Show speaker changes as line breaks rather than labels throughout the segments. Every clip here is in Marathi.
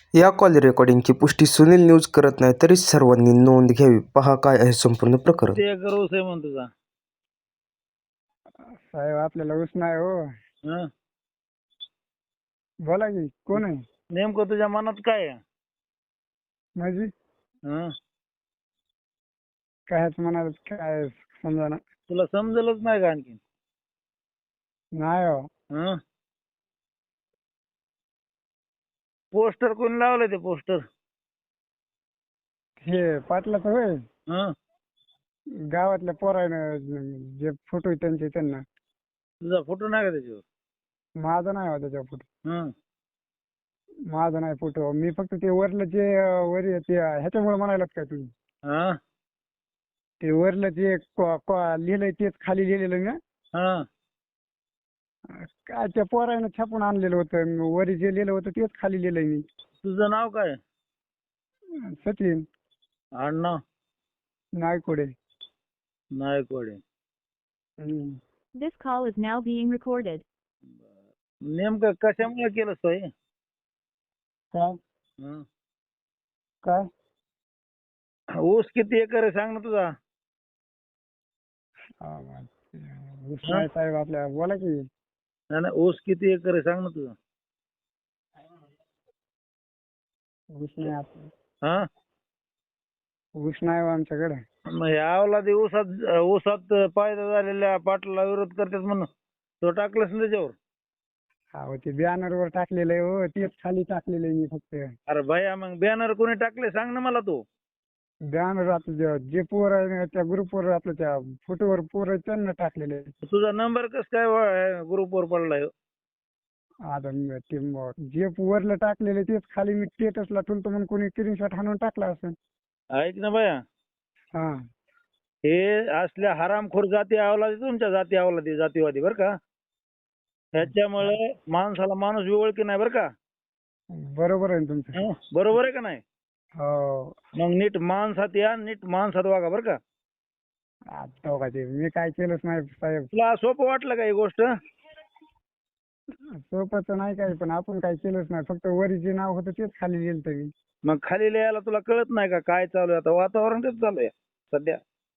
या कॉल रेकॉर्डिंगची पुष्टी सुनील न्यूज करत नाही, तरी सर्वांनी नोंद घ्यावी. पहा काय आहे संपूर्ण प्रकरण.
ते रोज आहे म्हणतो तुझा.
साहेब आपल्याला ऊस नाही हो.
हं?
बोला की कोण आहे?
नेमकं तुझ्या मनात काय आहे?
माझी
हं?
कायच म्हणाल काय समजा
तुला समजलंच नाही का आणखी?
नाही हो.
हं? पोस्टर कोणी लावलंय ते पोस्टर?
हे पाटलाचं होय.
हं?
गावातल्या पोरानं जे फोटो त्यांचे त्यांना.
तुझा फोटो नाही का त्याच्यावर?
माझा नाही हो त्याच्या फोटो.
हं?
माझा नाही फोटो. मी फक्त ते वरलं जे वर ते ह्याच्यामुळे म्हणायलात काय तुम्ही?
हं?
ते वरलं जे लिहिलंय तेच खाली लिहिलेलं ना.
हं?
काय त्या पोरानं छापून आणलेलं होतं. वरी जे लिहिलं होतं तेच खाली लिहिलंय मी.
तुझं नाव काय?
सचिन
आडनाव?
नायकोडे.
नायकवाडे.
हम्म.
This call is now being recorded.
नेमकं कशामुळे केलं सोय?
काय
हं?
काय
ऊस किती एकर आहे सांग ना तुझा?
ऊस नाही साहेब आपल्या. बोला की.
नाही नाही, ऊस किती एकर आहे सांग ना तुझा?
ऊस नाही आपलं.
हा?
ऊस नाही हो आमच्याकडे.
मग ह्या ऊसात फायदा झालेल्या पाटलाला विरोध करतात म्हणून तो टाकलंस ना त्याच्यावर?
अहो ते बॅनर वर टाकलेलं आहे हो. तेच खाली टाकलेलं आहे मी फक्त.
अरे भैया मग बॅनर कोणी टाकले सांग ना मला तू.
बॅनर आपलं जे पोर आहे ना त्या ग्रुपवर आपलं त्या फोटोवर पोर आहेत त्यांना टाकलेलं आहे.
तुझा नंबर कस काय ग्रुपवर पडलाय?
आता जे वरलं टाकलेलं तेच खाली मी स्टेटसला ठेवतो म्हणून कोणी स्क्रीनशॉट हाणून टाकला असेल.
ऐक ना भैया,
हा
हे असल्या हरामखोर जाती अवलादी तुमच्या जाती अवलादी जातीवादी बरं का. ह्याच्यामुळे माणसाला माणूस ओळखी नाही बरं का.
बरोबर आहे ना तुमचं.
हं? बरोबर आहे का नाही?
हो.
मग नीट माणसात या, नीट माणसात वागा बरं का.
आता बघा ते मी काय केलंच नाही साहेब.
तुला सोपं वाटलं का ही गोष्ट?
सोपं नाही काय पण आपण काय केलंच नाही. फक्त वरी जे नाव होतं तेच खाली लिहिलं मी.
मग खाली लिहायला तुला कळत नाही का काय चालू आहे? आता वातावरण तेच चालू आहे सध्या.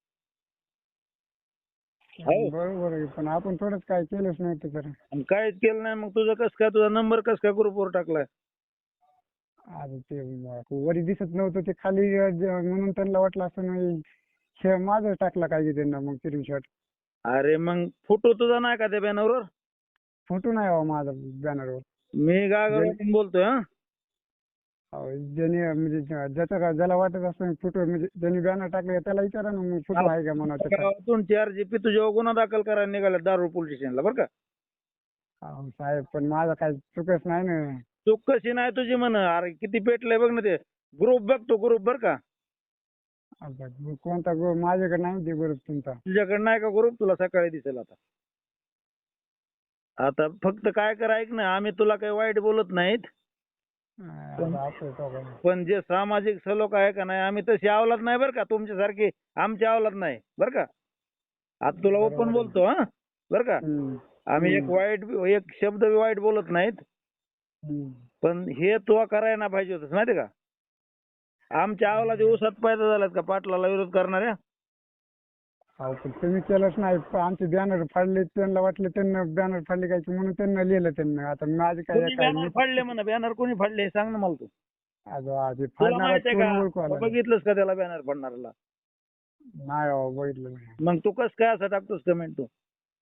हो.
बरोबर आहे पण आपण थोडंच काय केलंच नव्हतं तर.
आणि काहीच केलं नाही मग तुझं कसं काय, तुझा नंबर कसं काय ग्रुपवर टाकलाय?
आता ते वरी दिसत नव्हतं ते खाली म्हणून त्यांना वाटलं असं नाही हे माझं टाकला काय की त्यांना मग स्क्रीनशॉट.
अरे मग फोटो तुझा नाही का त्या बॅनरवर?
फोटो नाही हो माझा बॅनरवर.
मी गागावरून बोलतोय. हा?
ज्याने म्हणजे ज्याला वाटत असं फोटो म्हणजे ज्यांनी बॅनर टाकले त्याला विचारा ना मग फोटो आहे का म्हणा त्याचा.
गावातून 4 GP तुझ्यावर गुन्हा दाखल करायला निघाला दारू पोलीस स्टेशनला बरं का.
अहो साहेब पण माझा काय चुकच नाही ना.
चूक कशी नाही तुझी म्हण? अरे किती पेटलंय बघ ना ते ग्रुप, बघतो ग्रुप बरं का.
आता कोणता माझ्याकडे नाही ते ग्रुप तुमचा.
तुझ्याकडे नाही का ग्रुप? तुला सकाळी दिसेल आता. आता फक्त काय कर ऐक ना, आम्ही तुला काही वाईट बोलत नाहीत, पण जे सामाजिक सलोखा आहे का नाही आम्ही तशी अवलाद नाही बरं का तुमच्यासारखी. आमची अवलाद नाही बरं का. आता तुला ओपन बोलतो. हा बरं का. आम्ही एक शब्द बी वाईट बोलत नाहीत, पण हे तू करायला ना पाहिजे होतस माहिती का. आमच्या अवलादी ऊसात पैदा झाल्यात का पाटलाला विरोध करणाऱ्या?
अहो पण तुम्ही केलंच नाही. आमचे बॅनर फाडले त्यांना वाटलं त्यांना बॅनर फाडले काय की म्हणून त्यांना लिहिलं त्यांना. आता माझे काय
बॅनर फाडले म्हणा. बॅनर कोणी फाडले सांग ना मला तू.
आधी
तुला
फाडणार
माहिती आहे
कोण ओळखू
का?
आलं
बघितलंस का त्याला बॅनर फाडणाऱ्याला?
नाही हो बघितलं नाही.
मग तू कसं काय असं टाकतोस कमेंट तू?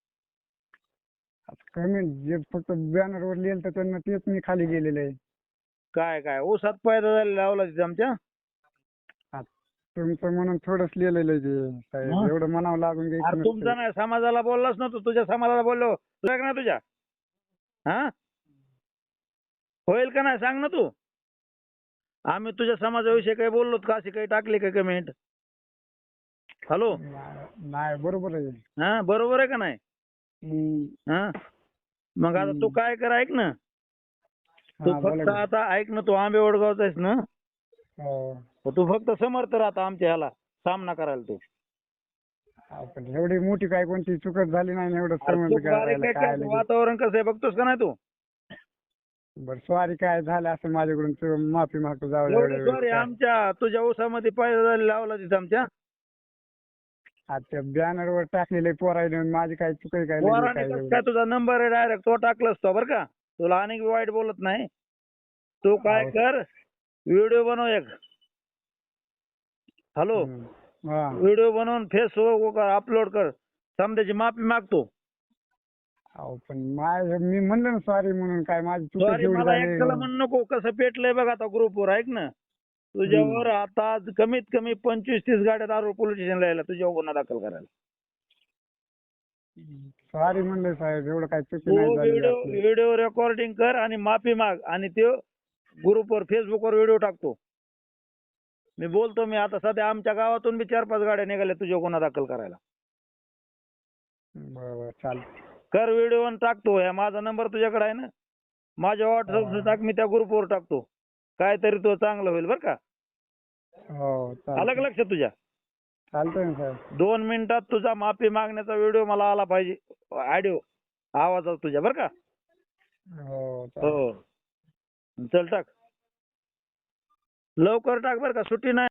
कमेंट जे फक्त बॅनर वर लिहिलं तर त्यांना तेच मी खाली गेलेलं आहे.
काय ऊसात पैदा झालेला अवलादी आमच्या?
तुमचं म्हणून थोडंच लिहिलेलं आहे ते साहेब. एवढं म्हणावं लागून
अरे
घ्यायचं
तुमचा
नसतं.
नाही, समाजाला बोललास ना तू. तुझ्या समाजाला बोललो तुझ्या का नाही तुझ्या? हा होईल का नाही सांग ना तू. आम्ही तुझ्या समाजाविषयी काही बोललो का? अशी काही टाकली का कमेंट? हॅलो.
नाही बरोबर आहे.
हा बरोबर आहे का नाही? हा मग आता तू काय कर ऐक ना. तू फक्त आता ऐक ना, तू आंबे वडगावचा आहेस ना. तू फक्त समर्थ राहता आमच्या ह्याला सामना करायला तू.
पण एवढी मोठी काय कोणती चुकत झाली नाही ना एवढं समज करायला काय.
वातावरण कसं आहे बघतोस का नाही तू?
बरं सॉरी काय झालं असं माझ्याकडून माफी मागतो जाऊ द्या एवढ्या
सॉरी
वेळेस.
आमच्या तुझ्या ऊसामध्ये पाय लावला तिथं आमच्या
आता त्या बॅनरवर टाकलेले पोरायला माझी काय चुक आहे काय नाही
पोराने
काय
कसं
एवढं.
काय तुझा नंबर आहे डायरेक्ट तो टाकलास तो बरं का तुला अनेक वाईट बोलत नाही तू काय
हो.
कर व्हिडिओ बनव एक हॅलो
हम्म. हा
व्हिडिओ बनवून फेसबुक अपलोड कर समजायची माफी मागतो
अहो पण मी म्हणलं ना सॉरी म्हणून काय माझी चूक
सॉरी
एवढी
मला
झाली.
एकट्याला म्हणू नको कसं पेटलंय बघ आता ग्रुपवर ऐक ना तुझ्यावर आता कमीत कमी 25-30 गाड्या दारू पोलीस स्टेशनला यायला तुझ्यावर गुन्हा दाखल करायला
सॉरी म्हणलं साहेब एवढं काय चुकी
तू
नाही झाली
व्हिडिओ
आपली.
व्हिडिओ रेकॉर्डिंग कर आणि माफी माग आणि ते ग्रुपवर फेसबुकवर व्हिडिओ टाकतो मी बोलतो मी आता सध्या आमच्या गावातून बी 4-5 गाड्या निघाल्या तुझ्यावर गुन्हा दाखल करायला
बरं चालतं.
कर व्हिडिओ आणि टाकतो ह्या माझा नंबर तुझ्याकडे आहे ना माझ्या व्हॉट्सअप टाक मी त्या ग्रुपवर टाकतो काहीतरी तो चांगलं होईल बरं का
हो
आलं
चालतं.
का लक्षात तुझ्या
चालतंय ना साहेब.
2 मिनिटात तुझा माफी मागण्याचा व्हिडिओ मला आला पाहिजे ऑडिओ आवाजात तुझ्या बरं का
हो चालतं.
हो चल टाक लवकर टाक बरं का सुट्टी नाही